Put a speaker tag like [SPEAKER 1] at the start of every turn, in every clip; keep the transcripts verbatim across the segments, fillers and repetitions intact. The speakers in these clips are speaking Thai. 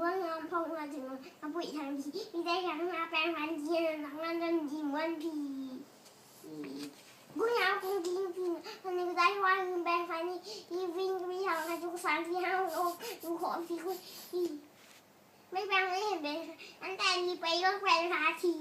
[SPEAKER 1] ว่างามพอมาถึงกระปุยทางทีมีได้ยังมาแปลงพันทีทั้งนั้นจนยิ้มวันพีกูอยากคงกินกินตอนนี้ก็ได้ว่าคือแปลงพันนี่ยีวิ่งก็ไม่ทำกันทุกสามที่ห้าโอ้ดูขอพี่คุณไม่แปลงไม่เห็นเป็นอันแต่มีไปก็แปลงพันที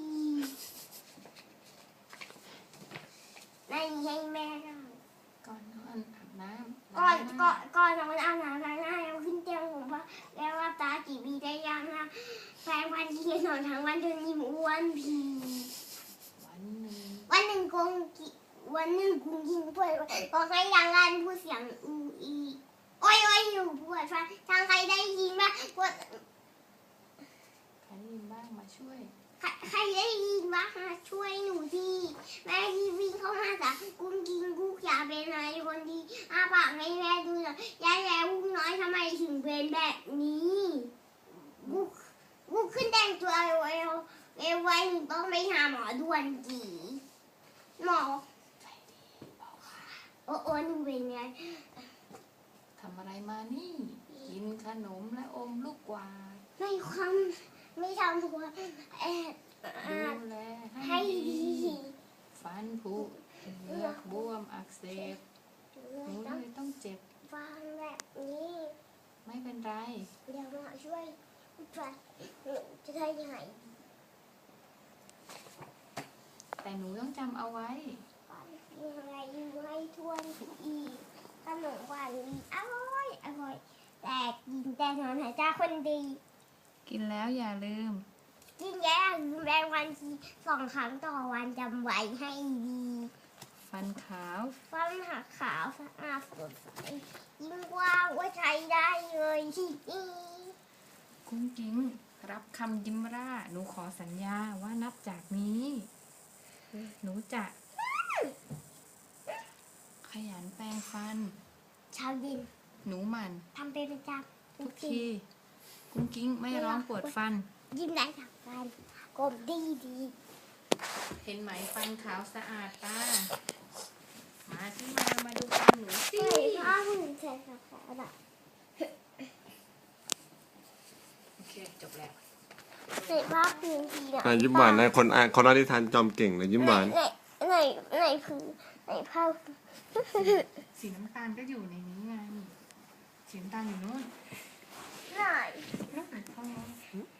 [SPEAKER 1] ไม่ให้แม่เรา
[SPEAKER 2] ก่อนนอนอาบน้ำ
[SPEAKER 1] ก่อนก่อนก่อนนอนอาบน้ำล้างหน้าแล้วขึ้นเตียงผมเพราะแล้วว่าตาจีบีได้ยังนะแปลงพันทีนอนทั้งวันจนยิ้มอ้วนพี
[SPEAKER 2] วันหนึ่ง
[SPEAKER 1] วันหนึ่งคงกิวันหนึ่งคงกินเพื่อนก็ให้ดังกันพูดเสียงอูอีโอ้ยโอ้ยอยู่ปวดฟันทางใครได้ยินบ้างปวด
[SPEAKER 2] ใครได้ยินบ้างมาช่วย
[SPEAKER 1] ใครได้ยินบ้างมาช่วยหนูทีแม่ที่วิ่งเข้ามาจากกุ้งกินกุ้งอยากเป็นอะไรคนดีอาปากให้แม่ดูหน่อยยายแล้วกุ้งน้อยทำไมถึงเป็นแบบนี้กุ้งกุ้งขึ้นแต่งตัวเร็วเร็วเร็วไว้หนูต้องไปหาหมอด่วนจีหมอโอ้โอ้หนูเป็นไง
[SPEAKER 2] ทำอะไรมานี่กินขนมและอมลูกกวาด
[SPEAKER 1] ไม่ความไม่ทำตัวแอบ
[SPEAKER 2] ดูแลให้ดีฟันผุเหงือกบวมอักเสบหนูเลยต้องเจ็บ
[SPEAKER 1] ฟันแบบนี้
[SPEAKER 2] ไม่เป็นไร
[SPEAKER 1] เดี๋ยวมาช่วยฟันจะได้ยังไง
[SPEAKER 2] แต่หนูต้องจำเอาไว้
[SPEAKER 1] ยังไงอยู่ให้ทวนอีกขนมหวานอีกอร่อยอร่อยแต่กินแต่นอนหายใจคนดี
[SPEAKER 2] กินแล้วอย่าลืม
[SPEAKER 1] กินแล้วลืมแรงวันทีสองครั้งต่อวันจำไว้ให้ดี
[SPEAKER 2] ฟันขาว
[SPEAKER 1] ฟันหักขาวสะอาดสดใสยิ่งกว่าว่าใช้ได้เลยที่นี่
[SPEAKER 2] กุ้งกิ้งรับคำยิ้มร่าหนูขอสัญญาว่านับจากนี้หนูจะขยันแปรงฟัน
[SPEAKER 1] เช้าเย็น
[SPEAKER 2] หนูหมั่น
[SPEAKER 1] ทำเป็นประจำ
[SPEAKER 2] ทุกทีกุ้งกิ้งไม่ร้องปวดฟัน
[SPEAKER 1] ยิ้มได้ทั้งวันกลมดีดี
[SPEAKER 2] เห็นไหมฟันขาวสะอาดตามาที่มามาดูฟันหนูสิ
[SPEAKER 1] พ่อคุณใส่ขาวแบบ
[SPEAKER 2] โอเคจบแล้ว
[SPEAKER 1] ใส่ผ้าพื้นที
[SPEAKER 3] นะยิ้มหวานนะคนอ่านคนอ่านนิทานจอมเก่งเลยยิ้มหวาน
[SPEAKER 1] ไหนไหนไหนพื้นไหนผ้า
[SPEAKER 2] สีน้ำตาลก็อยู่ในนี้ไงสีน้ำตาลอยู่นู้น
[SPEAKER 1] ไหน
[SPEAKER 2] นู่น